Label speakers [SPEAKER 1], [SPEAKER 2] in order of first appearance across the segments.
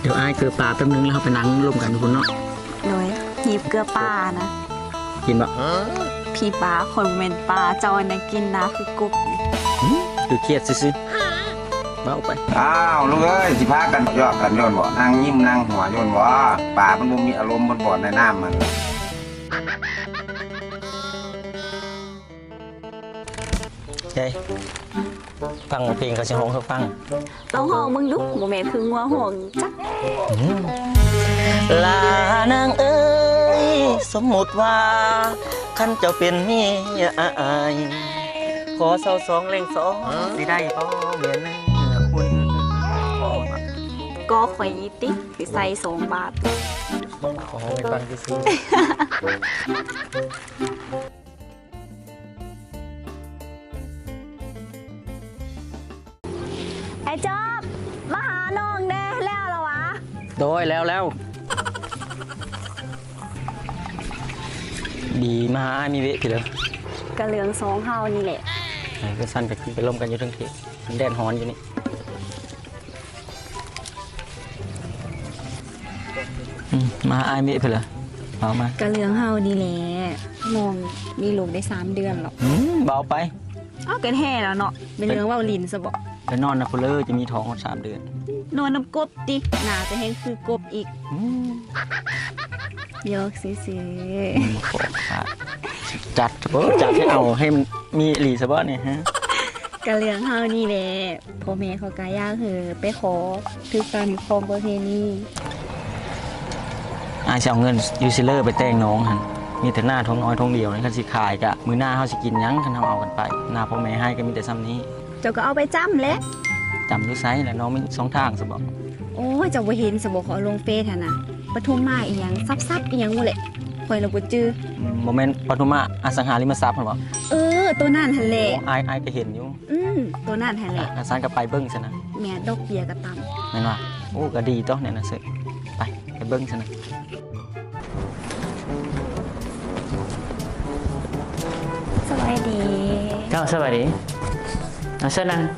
[SPEAKER 1] ดี๋ยวอ้ายเกลือปลาแป๊บนึงแล้วเราไปนั่งร่วมกันทุกคนเนาะ
[SPEAKER 2] โดยหยิบเกลือป่านะ
[SPEAKER 1] กินบ่
[SPEAKER 2] พี่ปลาคนเมนปลาเจ้านะกินนะคือกรุบ
[SPEAKER 1] คือเครียดซื่อๆเบาไป
[SPEAKER 3] อ้าวลูกเอ้ยสิพากันยอกกันโยนบ่นั่งยิ้มนั่งหัวโยนบ่ป่ามันบ่มีอารมณ์บนบ่อในน้ำมัน
[SPEAKER 1] ใจฟังเพลงเขาจะห้องเขาฟัง
[SPEAKER 2] ต้องห้องมึงลุกโมเมนคืองัวห่วงจัก
[SPEAKER 1] ลานางเอ้ยสมมุติว่าคันเจ้าเป็นเมียอายขอเศร้าสองเล่งสองสิได้พ่อเมียนะคุณ
[SPEAKER 2] ก็ข่อยติ๊กคือใส่2 บาท
[SPEAKER 1] ขอไปฟังซื่อ
[SPEAKER 2] ไอ้จอบมาหาน้องเด้แล้วเหรอวะ
[SPEAKER 1] โดยแล้วดีมาหาอ้ายมีเวะพี่เลย
[SPEAKER 2] กระเหลือง2เฮานี่แหละ
[SPEAKER 1] ก็สั้นไปขึ้นไปล่มกันอยู่ทั้งทีแดดฮ้อนอยู่นี่มาอายมิไปเลยเอามาก
[SPEAKER 2] ระเหลืองเฮานี่แหละน้องมีลูกได้3 เดือนหรอก
[SPEAKER 1] เบาไป
[SPEAKER 2] อ้าวกันแห่แล้วเนาะเป็นเรื่องว่าลินซะบ่
[SPEAKER 1] ไปนอนนะพลเลอร์จะมีท้อง3 เดือน
[SPEAKER 2] นอนน้ำกบติหนาจะแห้งคือกบอีกยกซื้อ
[SPEAKER 1] ขอขาดจัดให้เอาให้มันมีหลีสะบ้าเนี่ยฮะ
[SPEAKER 2] กระเหลืองเฮานี่แหละพ่อแม่เขากายากไปขอคือการครองประเพณี
[SPEAKER 1] อาจะเอาเงินยูซิเลอร์ไปแต่งน้องหันมีแต่หน้าท้องน้อยท้องเดียวนี่คันสิขายกะมือหน้าเขาสิกินยั้งคันเขาเอากันไปหน้าพ่อแม่ให้ก็มีแต่ซ้ำนี้
[SPEAKER 2] เจ้าก็เอาไปจ้ำแหละ
[SPEAKER 1] จำดูไซส์แหละน้องมี2 ทางสะบอก
[SPEAKER 2] โอ้ยเจ้าบ่เห็นสบเขาเอาลงเฟซหั่นน่ะปทุมมาอีหยังซับอีหยังหมดแหละข่อยละบ่จื้อ
[SPEAKER 1] โมเมนต์ปฐุมะอสังหาริมทรัพย์เหรอ
[SPEAKER 2] ตัวนั่นหั่นแหละ
[SPEAKER 1] อายก็เห็นอยู่
[SPEAKER 2] ตัวนั่นหั่นแหละ
[SPEAKER 1] อาซานก็ไปเบิ้งซะนะ
[SPEAKER 2] แม่ดอกเบี้ยก็ต่ำ
[SPEAKER 1] แม่นว่าโอ้ก็ดีต้อเนี่ยนะเสร็จไปเบิ้งซะนะ
[SPEAKER 2] สวัสดี
[SPEAKER 4] เจ้าสวัสดีเอาเชิญนั่ง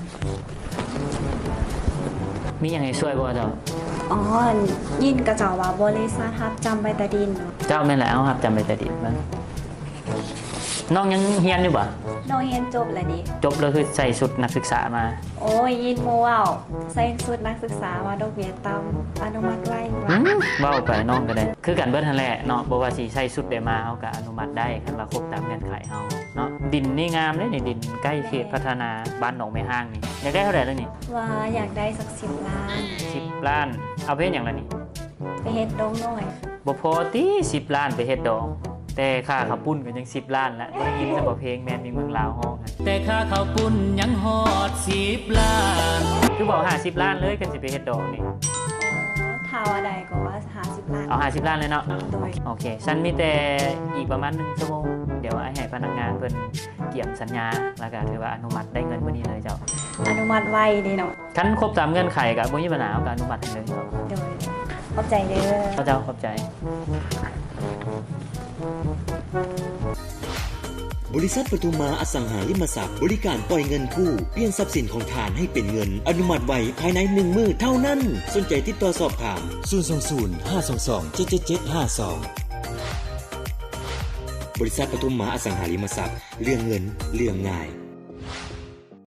[SPEAKER 4] มีอย่างไรช่วยบ่เจ้า
[SPEAKER 2] อ๋อยินกระเจ้าว่าบริษัทรับจำใบตาดินเนาะ
[SPEAKER 4] เจ้าแม่นแล้วครับจำไปแต่ดิบบ้างน้องยังเฮียนอยู่บ่
[SPEAKER 2] น้องเรียนจบแล้วดิ
[SPEAKER 4] จบแล้วคือใส่ชุดนักศึกษามา
[SPEAKER 2] โอ้ยยินโมว่าวใส่สุดนักศึกษาว่าดอกเบี้ยต่ำอนุมัติไว้
[SPEAKER 4] เว้าไปน้องก็ได้ คือกันเบิดทันแหละเนาะบ่ว่าสิใส่ชุดได้มาเฮาก็อนุมัติได้คันว่าครบตามเงื่อนไขเฮาเนาะดินนี่งามเลยนี่ดินใกล้เขตพัฒนาบ้านหนองไม้ห้างนี่อยากได้เท่าไหร่แล้วนี่
[SPEAKER 2] ว่าอยากได้สัก10 ล้าน
[SPEAKER 4] 10 ล้านเอาไปเฮ็ดหยังล่ะนี่
[SPEAKER 2] ไปเฮ็ดดงหน่อย
[SPEAKER 4] บ่พอติ10 ล้านไปเฮ็ดดอกแต่ค่าข้าวปุ้นก็ยัง10 ล้านละบ่ได้ยินซะบ่เพลงแม่นมีเมืองลาวฮ้องอะแต่ค่าข้าวปุ้นยังฮอด10 ล้านคือบอก50 ล้านเลยกันสิไปเฮ็ดดอกนี่
[SPEAKER 2] ถ้าว่าใดก็ว่า50 ล้าน
[SPEAKER 4] เอา50 ล้านเลยเนาะ
[SPEAKER 2] โดย
[SPEAKER 4] โอเคฉันมีแต่อีกประมาณ1 ชั่วโมงเดี๋ยวให้พนักงานเพิ่นเกี่ยมสัญญาแล้วก็ถือว่าอนุมัติได้เงินวันนี้เลยเจ้า
[SPEAKER 2] อนุมัติไว้ดีเนาะ
[SPEAKER 4] คันครบตามเงื่อนไขก็บ่มีปัญหาเอาก็อนุมัติให้เลยเจ้า
[SPEAKER 2] โดยขอบใจเด้อ
[SPEAKER 4] เจ้าขอบใจ
[SPEAKER 5] บริษัทปทุมมาอสังหาริมทรัพย์บริการปล่อยเงินกู้เปลี่ยนทรัพย์สินของทานให้เป็นเงิน อนุมัติไว้ภายใน1 มื้อเท่านั้น สนใจติดต่อสอบถาม 020 522 77752 บริษัทปทุมมาอสังหาริมทรัพย์เรื่องเงินเรื่องง่าย